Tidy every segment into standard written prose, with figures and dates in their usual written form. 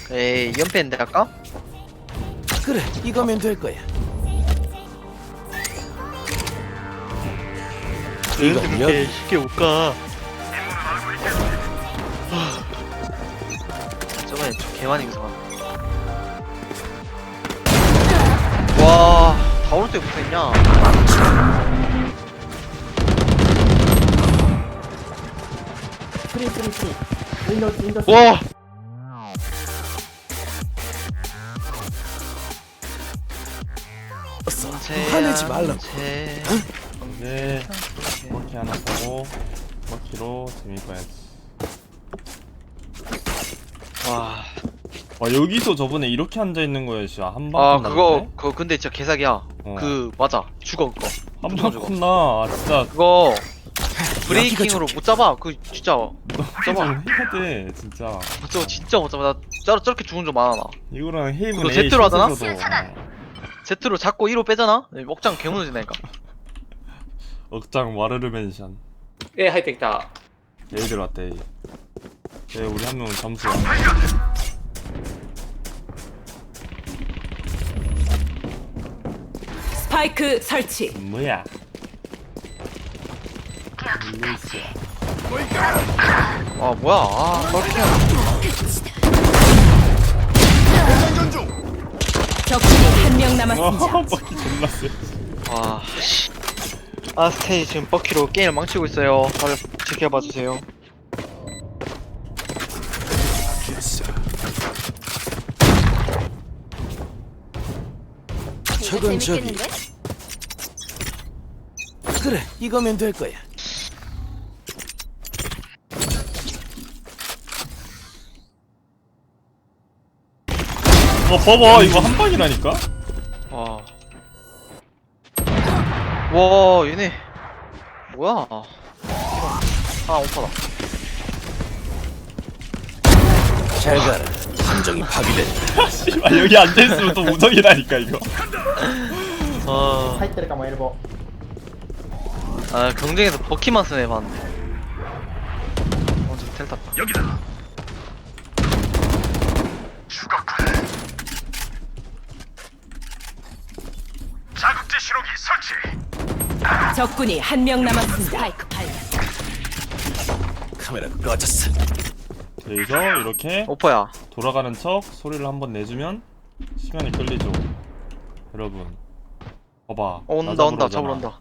에이 연패인데 아까? 그래, 이거면 될 거야. 이거 그렇게 쉽게 못 가. 저번에 저 개만 이기서 와, 다 오를 때 붙어있냐? 프리 윈도우 와! 화내지 말라고. 네, 먹기 하나 사고 먹기로 재미봐야지. 와. 와 여기서 저번에 이렇게 앉아 있는 거였지. 한방 아, 그거 근데 진짜 개사기야. 어. 그, 맞아. 죽어, 그거. 한방 컸나? 아, 진짜 그거, 브레이킹으로 못 잡아. 그, 진짜. 좀 해야 돼 진짜. 저거 진짜 못 잡아. 나 저렇게 죽은 적 많아, 나. 이거랑 헤이븐 그거 A Z로 하잖아? 슛에서도 Z로 잡고 1호 빼잖아? 먹장 개무너진다니까. 억장 와르르 멘션. A入ってきた A 들어왔대. A. 네, 우리 한 명은 점수야. 스파이크 설치. 뭐야? 루이스야. 아, 뭐야. 아, 저렇게. 적군이 한 명 남았습니다. 바퀴 존나 세. 아, 씨. 아스테이 지금 버키로 게임을 망치고 있어요. 다들 지켜봐 주세요. 저건 저기. 그래, 이거면 될 거야. 봐봐 이거 한 방이라니까? 와. 와, 얘네. 뭐야. 아, 오빠다. 잘 가라. 함정이 파괴됐다. 씨발 여기 앉아있으면 또 우정이라니까 이거. あ入ってるかもエルボ 아, 경쟁에서 버키만 쓰네, 봤는데. 저 텔 탔다. 여기다! 적군이 한 명 남았습니다. 스파이크 발견. 카메라 꺼졌어. 여기서 이렇게 오퍼야. 돌아가는 척 소리를 한번 내주면 시간이 끌리죠. 여러분 봐봐. 온다, 온다, 잡으러 온다.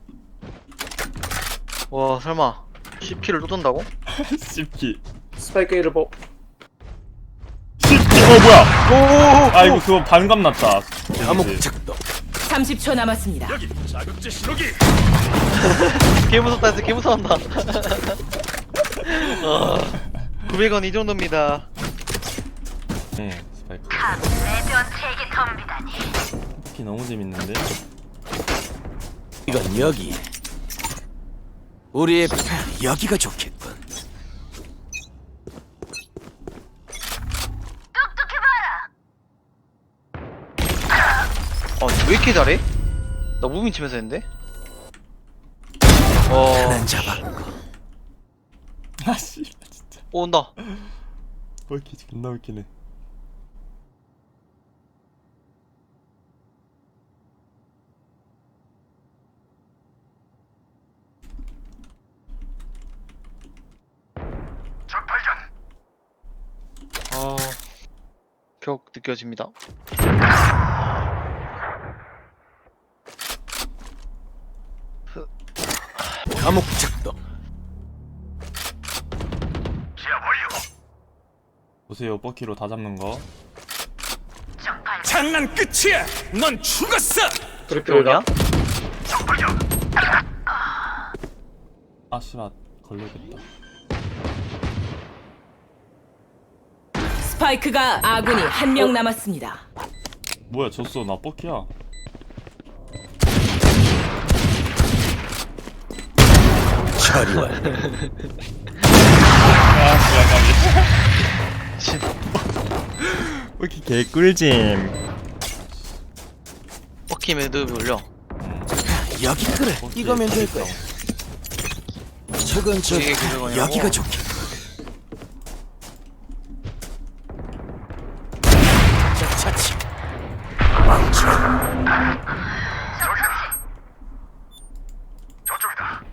와, 설마. CP를 또 던다고? 씹기. スパイクエルボ 씹기. 뭐야? 오! 아 이거 그거 반감 났다. 감옥 데미지. 작동. 30초 남았습니다. 개 무섭다 했어, 개 무서웠다. 900원 이 정도입니다. 네 스파이크. 스파이크 너무 재밌는데. 이건 여기. 우리의 여기가 좋겠군. 왜 이렇게 잘해? 나 무빙 치면서 했는데? 하나 잡았고. 아씨 진짜. 온다. 왜 이렇게 존나 웃기네. 격 느껴집니다. 감옥 작동. 보세요 버키로 다 잡는 거. 장난 끝이야. 넌 죽었어. トリプル 냐 だ 아 씨발 걸려야겠다. 스파이크가 아군이 한 명 남았습니다. 뭐야 졌어 나 버키야. 처리 완료. 아 씨발 버키 개꿀잼. 버키 매듭 올려. 여기 그래. 이거면 될 거야. 저건 저기. 이게 그거냐고? 여기가 좋겠군.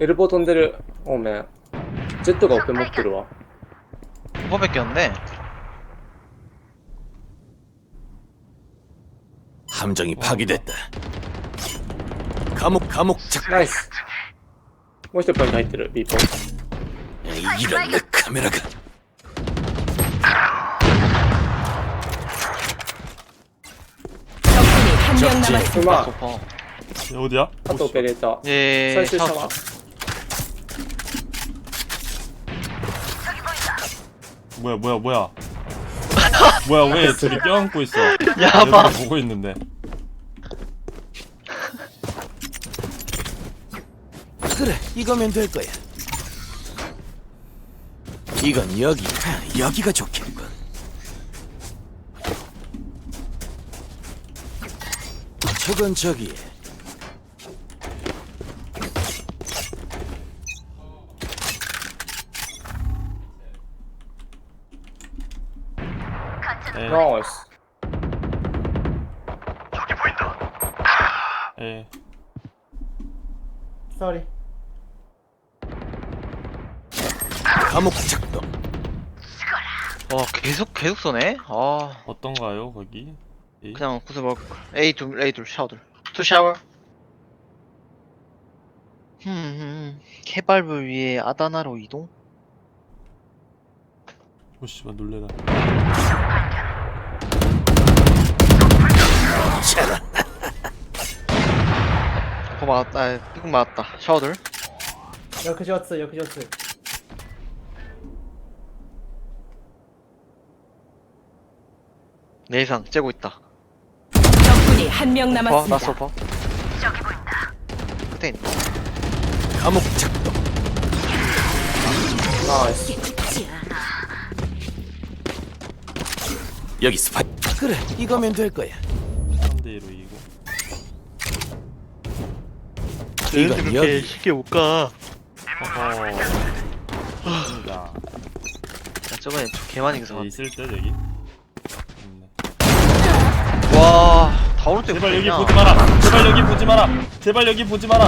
엘보 돈데를 오면 제트가 어깨 못 들어와. 뭐 뺏겼네. 함정이 파괴됐다. 감옥 작. ナイス。もう一ポイント入ってる、ビーポン。 이런 내 카메라가. 적군이 한 명 적지. 남았습니다. うまい。 소파. 얘 어디야? あとオペレーター。 예. 最終シャ 샤워. ワー。 뭐야 뭐야 왜 둘이 껴안고 있어? 야바. 여기 보고 있는데. 그래, 이거면 될 거야. 이건 여기가 좋겠군. 저건 저기에. 에, ナイス。 에. Sorry. 감옥 작동. 와 계속 쏘네. 아 어떤가요 거기? 이? 그냥 구슬 먹. A 둘 샤워들. 투 샤워. 케발브 위에 아다나로 이동. 오 씨발 놀래라. 거 맞았다. 아, 삐국 맞았다. 샤워들. 翌上通、翌上通。 내상 째고 있다. 적군이 한 명 나 남았습니다. 소파. 끝에 있네. 감옥 작동. ナイス。 여기 스파이. 그래, 이거면 될 거야. 3대 2로 이기고. 이건 여기. 쉽게 못 가. 어허. 입니다. 야, 저번에 좀 개많이 이겨서. 얘 있을 때 여기. 있네. 와, 다 오른쪽에 제발 여기 붙어있냐? 보지 마라. 제발 여기 보지 마라. 제발 여기 보지 마라.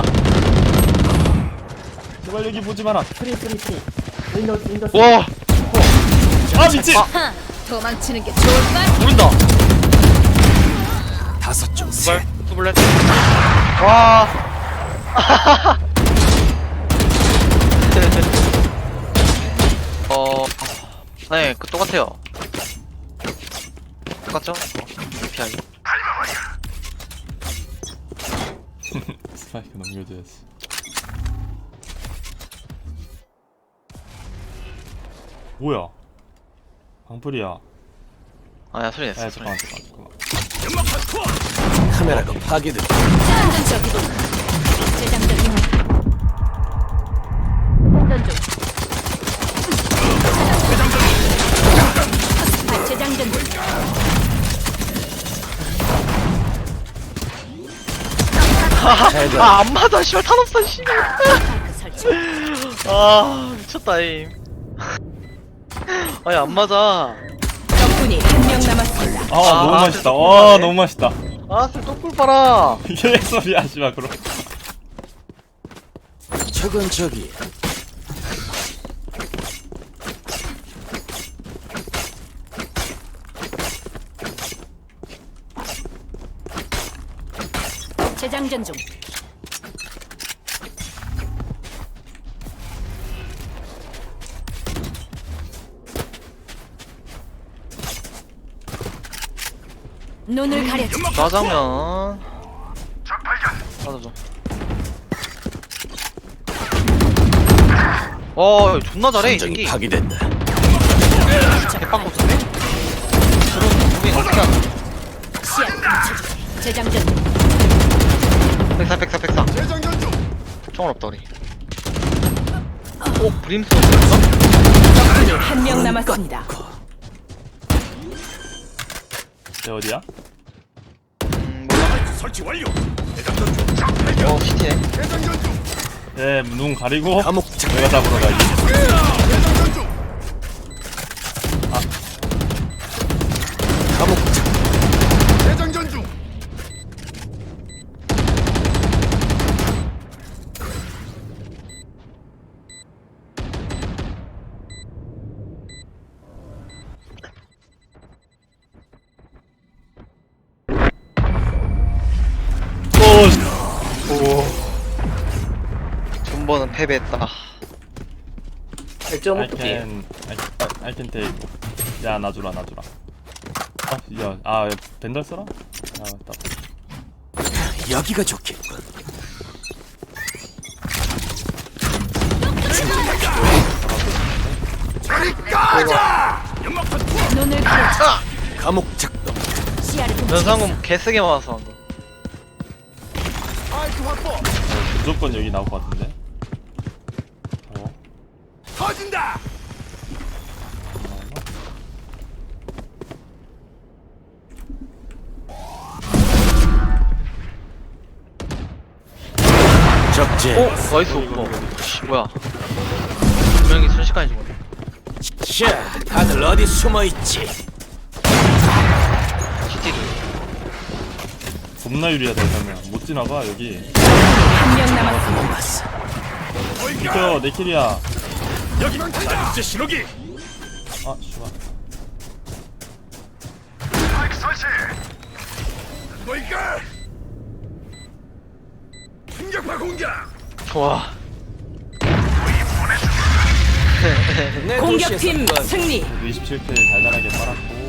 제발 여기 보지 마라. フリーフリーフリー。ウィンドウ、ウィンドウ。 와, 아 미친. 도망치는 게 좋을까? 모른다. 다섯 중 셋. 투블렛. 와. 네, 그 똑같아요. 똑같죠? 피하기. 스파이크 넘겨줘야지. 뭐야? 방풀이야. 아야 소리 냈어. 아 소리. 잠깐만. 카메라가 파괴됐다. 재장전. 재장전. 아, 안 맞아. 씨발 탄 없어. 씨발. 아, 미쳤다 임. 아니 안 맞아. 적군이 한 명 남았습니다. 아 너무 아, 맛있다. 진짜 와 똑똑하네. 너무 맛있다. 아, 술 똑불 빨아. 이게 소리야 씨발 그럼. 저건 저기. 재장전 중. 눈을 가려줘. 짜장면. 맞아. 존나 잘해 이 함정이 새끼. 파괴됐다. 개빵 못쓰네. 저런 무빙 어떻게 하나? 시야 멈춰주지. 재장전. 백사. 총알 없다 우리. 브림스톤 있어? 적군이 한 명 남았습니다. 얘 어디야? 몰라. 설치 완료. 시티네. 얘눈 가리고 감옥 작동. 내가 잡으러 가야지. 감옥 작동. 번은 패배했다. 1.5기. I can take. 야, 놔주라. 벤달 써라? 딱. 여기가 좋겠군. 눈을 가려. 감옥 작동. 시야를 좀 연상금 개쓰게 맞아서 한 거. 무조건 여기 나올 것 같은데. 터진다. 적재. 오! 나이스 오퍼. 씨, 뭐야. 분명히 순식간에 죽었네. 자, 다들 어디 숨어 있지? CT도. 겁나 유리하다 이러면 못 지나가 여기. 한 명 남았습니다. 봤어. 비켜 내 킬이야. 여기 자극제 신호기. 아 씨발. 뭐이까? 충격파 공격. 좋아. 내 공격팀 도시에서 승리. 27킬 달달하게 빨았고.